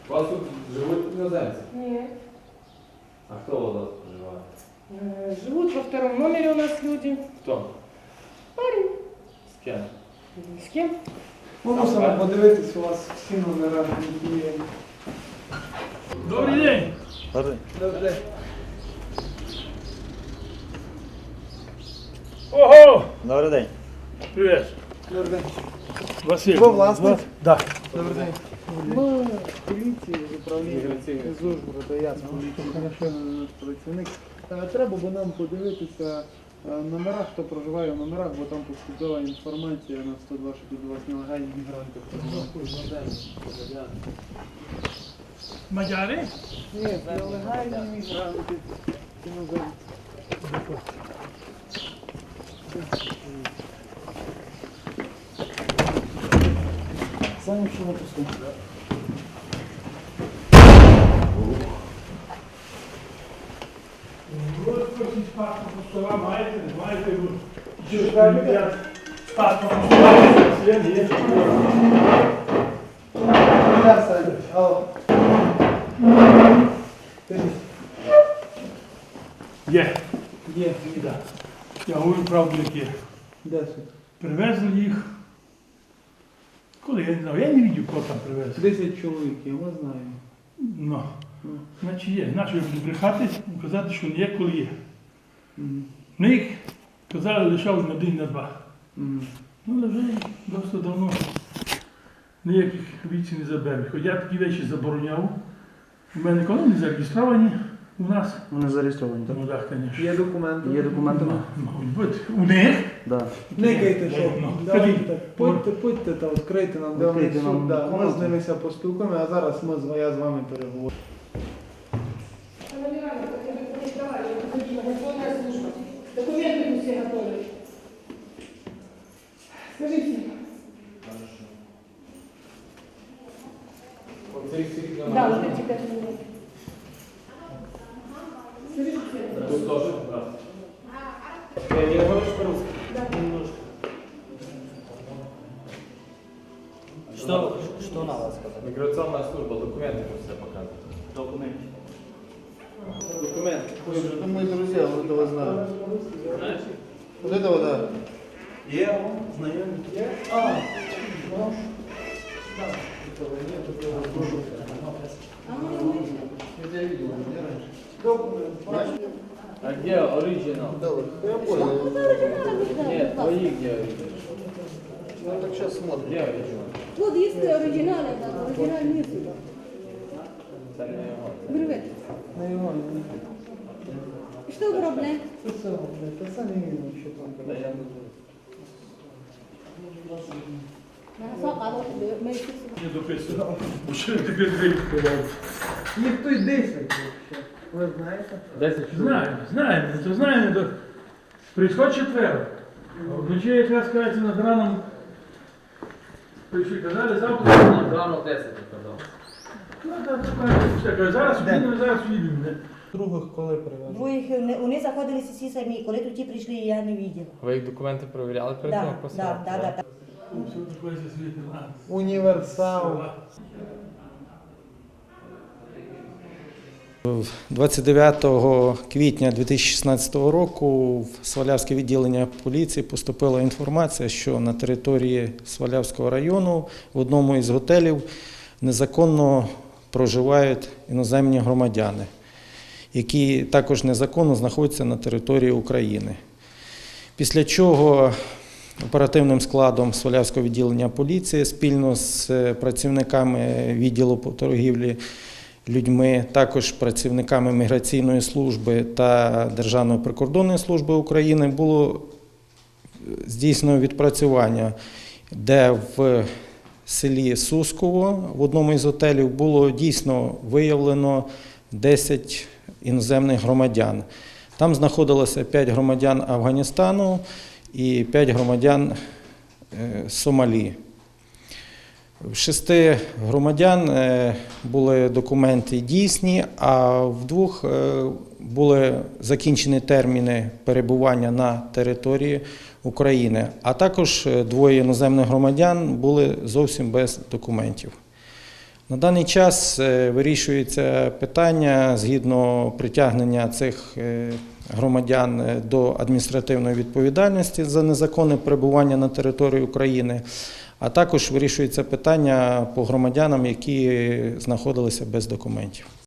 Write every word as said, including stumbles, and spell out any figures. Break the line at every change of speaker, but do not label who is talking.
У вас тут живуть іноземці?
Нет.
А хто у вас проживає?
Э, Живут во втором номере у нас люди.
Хто?
Парень.
З ким?
С кем?
Ми мусимо подивитись у вас всі номера, які є.
Добрий день.
Добрий день.
Ого!
Добрий день.
Привіт.
Добрий день.
Василь.
Ви власник?
Так.
Добрий день. Ми з поліції, з управління з Ужгорода, я з поліції, хорошо наш працівник. Е, Треба б нам подивитися е, номера, хто проживає в номерах, бо там поступила інформація на сто два, що тут у вас нелегальні мігранти проживають.
Мадяри?
Ні, нелегальні мігранти. Іноземці. Самі що написано.
Ви хочете паспорт стола маєте, не маєте ви. Чи ж я паспорт стола, є, є.
Я Саня. Алло.
Є.
Є.
Да. Я говорю правду, як є.
Де це?
Привезли їх. Коли, я не знаю, я не бачив, кого там привезли.
Десять чоловіків, ми знаємо.
Ну,
Ну.
значить є. Наче я буду брехати, казати, що не є, коли є.
Мгм.
Ми їх, казали, лишав на день, на два.
Мгм.
Ну, але вже досить давно ніяких віці не заберуть. Хоч я такі речі забороняв. У мене коли не зареєстровані у нас.
Вони зареєстровані, так?
Ну так, звісно.
Є документи?
Є документи?
Мабуть бути. У них?
Да.
Никайте, що.
Ну,
Давайте
скажіть.
так, Будьте, будьте та відкрийте нам, де вони
Відкрийте нам
суд. Да. Ми
комнату.
з ними ся поспілкуємо, а зараз ми, з- я з вами переговорю.
Документы мы все готовы. Скажите.
Оцей світ на
Да,
мене.
вот эти пять минут. Скажите.
Тут теж? Так. Ти не говориш по-русски?
Що, що на вас сказати?
Міграційна служба, документи все показує.
Документи.
Документы. Это мои друзья, вот этого знаю.
Знаєш?
Вот этого, да.
Є, знайомі.
А, ну, да. Этого нет, этого тоже. Я тебя видел, где раньше? Документ.
А де оригінал?
Давай. Я понял.
Ні, твої де оригінал?
Ну так сейчас смотрим.
Де оригінал?
Вот есть оригиналы, да, оригинал нет сюда.
Це не його.
Привет.
На его.
Что проблем?
Ты сам, блядь, ты сам не видел, что там.
Та я не
Не дописано. Що я таке відкривав?
Ніхто й десять вообще. Ви знаєте?
Десять чоловік.
Знаємо, знаємо, то знаємо. То... Прийшов четвер. Вночі якраз кажеться над раном. Прийшли, казали, завтра.
Рано десять казав.
Ну, так, так, так, зараз їдемо, зараз їдемо.
Других коли привезли?
Двоїх не- вони заходилися всі самі. Коли тоді прийшли, я не бачила.
Ви їх документи перевіряли перед тим,
Да,
як
да,
посилати?
да, да, да.
Все таке світло.
Універсал.
двадцять дев'ятого квітня дві тисячі шістнадцятого року в Свалявське відділення поліції поступила інформація, що на території Свалявського району в одному із готелів незаконно проживають іноземні громадяни, які також незаконно знаходяться на території України. Після чого оперативним складом Свалявського відділення поліції спільно з працівниками відділу по торгівлі людьми, також працівниками міграційної служби та Державної прикордонної служби України було здійснено відпрацювання, де в селі Сусково в одному із готелів було дійсно виявлено десять іноземних громадян. Там знаходилося п'ять громадян Афганістану і п'ять громадян Сомалі. В шести громадян були документи дійсні, а в двох були закінчені терміни перебування на території України, а також двоє іноземних громадян були зовсім без документів. На даний час е, вирішується питання згідно притягнення цих е, громадян е, до адміністративної відповідальності за незаконне перебування на території України, а також вирішується питання по громадянам, які знаходилися без документів.